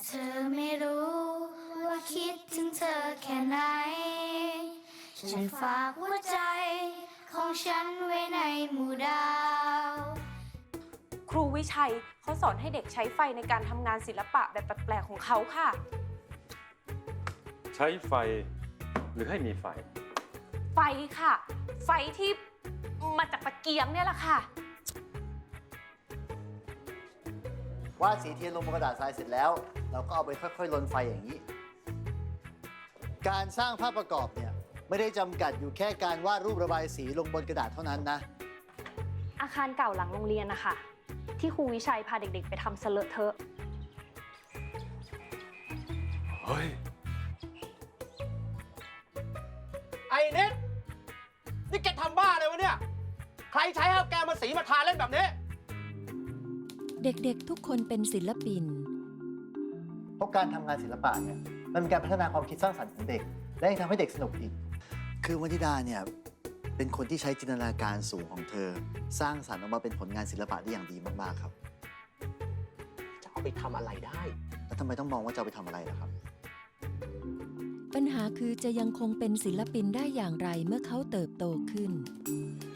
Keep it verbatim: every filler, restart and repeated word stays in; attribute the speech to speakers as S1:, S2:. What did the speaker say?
S1: เธอไม่รู้ว่าคิดถึงเธอแค่ไหน ฉันฝากหัวใจของฉันไว้ในหมู่ดาว
S2: ครูวิชัยเขาสอนให้เด็กใช้ไฟในการทำงานศิลปะแบบแปลกๆของเขาค่ะ
S3: ใช้ไฟหรือให้มีไฟ
S2: ไฟค่ะ ไฟที่มาจากตะเกียงเนี่ยแหละค่ะ
S4: วาดสีเทียนลงบนกระดาษทรายเสร็จแล้ว เราก็เอาไปค่อยๆลนไฟอย่างนี้ การสร้างภาพประกอบเนี่ยไม่ได้จำกัดอยู่แค่การวาดรูประบายสีลงบนกระดาษเท่านั้นนะ
S5: อาคารเก่าหลังโรงเรียนนะคะที่ครูวิชัยพาเด็กๆ ไปทำเสลอะเทอะ
S3: เฮ้ย
S6: ไอ้เน็ตนี่แกทำบ้าอะไรวะเนี่ย ใครใช้เอาแกมาสีมาทาเล่นแบบนี้
S7: เด็กๆทุกคนเป็นศิลปิน
S4: เพราะการทำงานศิลปะเนี่ยมันเป็นการพัฒนาความคิดสร้างสรรค์ของเด็ก และยังทำให้เด็กสนุกอีก คือวนิดาเนี่ยเป็นคนที่ใช้จินตนาการสูงของเธอ สร้างสรรค์ออกมาเป็นผลงานศิลปะได้อย่างดีมากๆครับ
S6: จะเอาไปทำอะไรได้
S4: แล้วทำไมต้องมองว่าจะเอาไปทำอะไรล่ะครับ
S7: ปัญหาคือจะยังคงเป็นศิลปินได้อย่างไรเมื่อเขาเติบโตขึ้น